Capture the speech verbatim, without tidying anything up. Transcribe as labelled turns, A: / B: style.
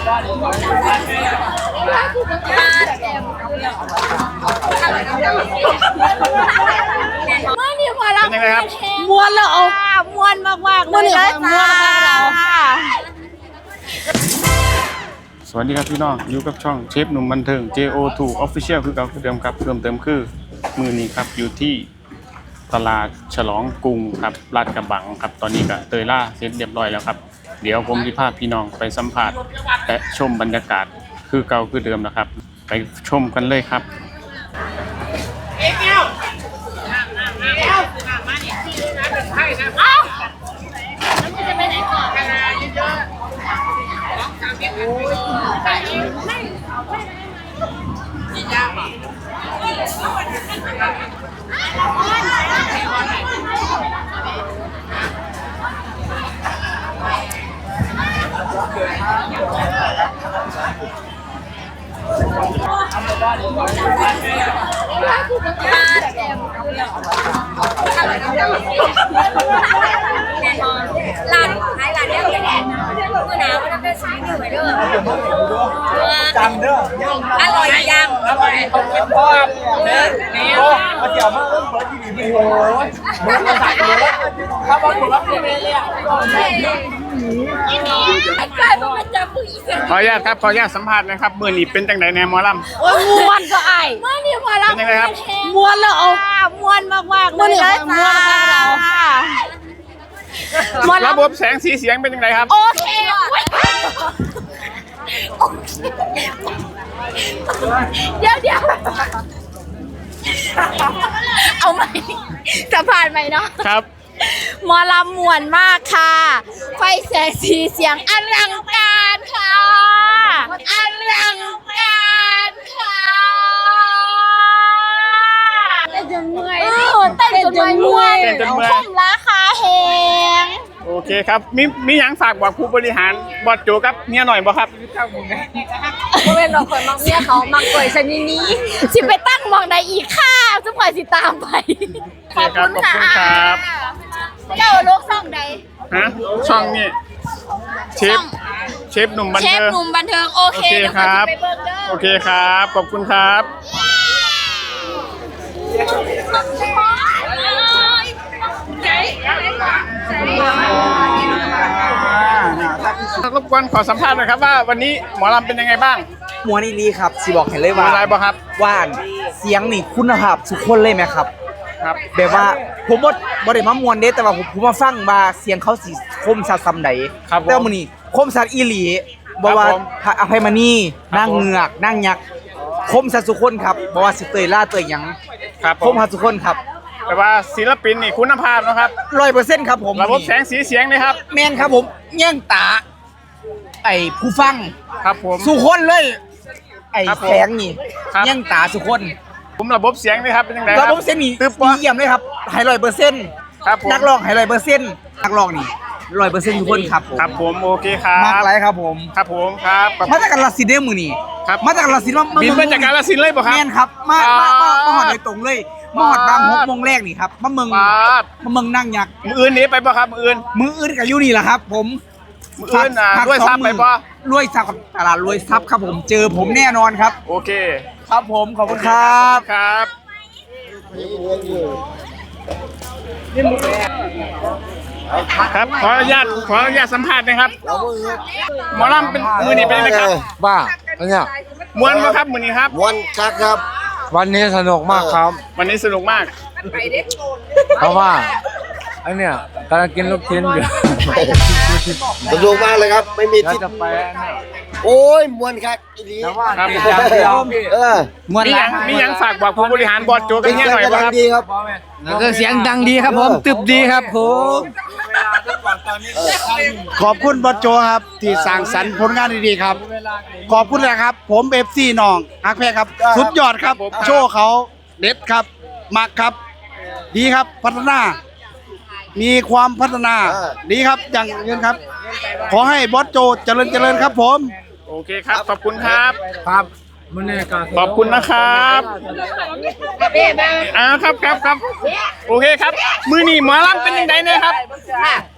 A: มื่อนี้พอเรา
B: เป็นยังไงครับ
A: มวนแล้วเอามวนมากๆเลยนะจ้า
B: สวัสดีครับพี่น้องอยู่กับช่องเชฟหนุ่มบันเทิง เจ โอ ทู Official คือเก่าคือเดิมครับเพิ่มเติมคือมือนี้ครับอยู่ที่ตลาดฉลองกรุงครับลาดกระบังครับตอนนี้ก็เตยล่าเสร็จเรียบร้อยแล้วครับเดี๋ยวผมจะพาพี่น้องไปสัมผัสและชมบรรยากาศคือเก่าคือเดิมนะครับไปชมกันเลยครับ
A: ร้านขายร้านเดียวกันคือหนาวมันเป็นสีเหลืองเด้อจำเด้ออร่อยยังอร่อยเขาเก็บพอเด้อโอ้มาเกี่ยวมาเริ่มเปิดที่นี่โอ้ยมันมาใส่เลยถ้าบอลถูกรับเลยเลยอ่ะกลายเป็นมันจะผู้หญิง
B: ขออนุญาตครับขออนุญาตสัมภาษณ์นะครับมือนี้เป็นจังไดแนมหมอลำ
A: โอ้ยมวนก็ไอ้เมื่อนี้พอเรา
B: เป็นยังไงครับ
A: มวนแล้วเอามวนมากๆเลยนะจ้า
B: ระบบแสงสีเสียงเป็นยังไงครับ
A: โอเคเดี๋ยวเดี๋ยวเอาใหม่จะผ่านไหมเนาะ
B: ครับ
A: หมอลำมวนมากค่ะ ไฟแสงสีเสียงอลังการค่ะอลังการค่ะเต้นจนเมื่อยเต้นจนเมื่อย
B: เต้นจนเมื่อย
A: คุ้มราคาแหง
B: โอเคครับมีมีหยังฝากบอกผู้บริหารบอสโจกับเมียหน่อยบ่ครับ
A: โมเป็นเราคนมักเมียเขามักเกยชนิดนี้สิไปตั้งมองใดอีกค่ะจะปล่อยสิตามไป
B: ขอบคุณครับ
A: เจ้าโลกช่องใด
B: ฮะช่องนี้เชฟเชฟหนุ่มบัน
A: เชฟ
B: เทิง
A: หนุ่มบันเทิงโอเค
B: โอเคครับ
A: เดี๋ยวเขาจะไปเบิ่งเด้อ
B: โอเคครับขอบคุณครับ รบกวนขอสัมภาษณ์หน่อยครับว่าวันนี้หมอลำเป็นยังไงบ้าง
C: มวนอีลีครับสิบอกให้เลย
B: มี
C: ว่า
B: อะไรบ้างครับ
C: ว่านเสียงนี่คุณภาพสุดคนเลยไหมครับ
B: ครับ
C: แบบว่าผมบ่บ่ได้มามวนเด้แต่ว่าผมผมมาฟังว่าเสียงเขาสิคมสัตว์ซำใด
B: ครับผม
C: แต่ว่ามื้อนี้คมสัตว์อีหลีบ่ว่า
B: ครับผม
C: พระอภัยมณี
B: ครับ
C: นางเงือกนางยักษ์คมสัตว์สุคนครับบ่ว่าสิเตยล่าเตยหยัง
B: ครับ
C: คมสัตว์สุคนครับ
B: แต่ว่าศิลปินนี่คุณภาพนะครับ
C: ร้อยเปอร์เซ็นต์ครับผม
B: ระบบแสงสีเสียงนะครับ
C: แม่นครับผมแย่งตา ไอ้ผู้ฟัง
B: ครับผม
C: สุคนเลย ไอ้
B: ครับผม
C: แสงนี่
B: ครับ
C: แย่งตาสุคน
B: ผมระบบเสียงนะครับเป็นยังไงค
C: ระ
B: รับ
C: บบเส้นนี่
B: ตึ๊บ
C: ดี
B: วะ
C: เยี่ยมเลยครับไฮร้อยเปอร์เซ็นต์
B: ครับผม
C: นักร้องไฮร้อยเปอร์เซ็นต์นักร้องนี่ร้อยเปอร์เซ็นต์ทุกคนครับ
B: ครับผมโอเคครั
C: มาก
B: บ
C: ไรครับผม
B: ครับผมครับขอบ
C: มาจากกาฬสินธุ์เด้อมือนี่
B: ครับ
C: มาจากกาฬสินธุ์มา
B: บินมาจากกาฬสินธุ์เลยป่ะครับ
C: แม่นครับมา
B: อ่า
C: มามามาหอดโดยตรงเลยมาหอดบางหกโมงแรกนี่ครับมาเมือง
B: ปาด
C: มาเมืองนั่งยักษ์
B: มืออื่นหนี้ไปป่ะครับมืออื่น
C: มืออื่นกับยูนี่แหละครับ ผม
B: มืออื่นอ่ะ
C: พัก
B: ด้วย
C: สอง
B: ซ้ำไป
C: มื้อ
B: ป่ะ
C: รวยทรัพย์กับตลาดรวยทรัพย์ครับผมเจอผมแน่นอนครับ
B: โอเค
C: ครับผมขอบคุณครับ
B: ครับครับขออนุญาตขออนุญาตสัมภาษณ์นะครับหมอลำเป็นมือนี้เป็นยังไงครับ
D: บ้าอันเนี้ย
B: ม้วนไหมครับมือนี้ครับ
D: วันกักครับ วันนี้สนุกมากครับ
B: วันนี้สนุกมาก
D: เพราะว่าอันเนี้ยกำลังกินลูกชิ้นอยู่
E: สนุกมากเลยครับ ไม่มี
D: แล้ว
E: ที่
D: จะไปอันเนี้ย
E: โอ้ยมวนครับอีนี้
D: แต่ว่า
B: ครับ
D: ติดอย่างเดียว
E: เออ
C: มวน
B: มี
C: ห
B: ห
C: ลา
B: ยั
C: ย
B: งมีหยังฝากบอกผู้บริหารบอร์ดโจกันเนี่ยหน่อยป่ะครับ
E: ดีครับ
D: แล้วก็เสียงดังดีครับผมตึบดีครับผม
F: ขอบคุณบอสโจครับที่สร้างสรรค์ผลงานดีๆครับ ขอบคุณนะครับ ผมเอฟซีน้องฮักแพ้ครับ สุดยอดครับ โชว์เขาเด็ดครับมักครับ ดีครับพัฒนา มีความพัฒนา ดีครับอย่างเงินครับ ขอให้บอสโจเจริญเจริญครับผม
B: โอเคครับขอบคุณครับ
D: ครับมันเนี่ยก็
B: ขอบคุณนะครับอ่าครับครับครับโอเคครับ มือนี่หมอลำเป็นยังไงเนี่ยครับ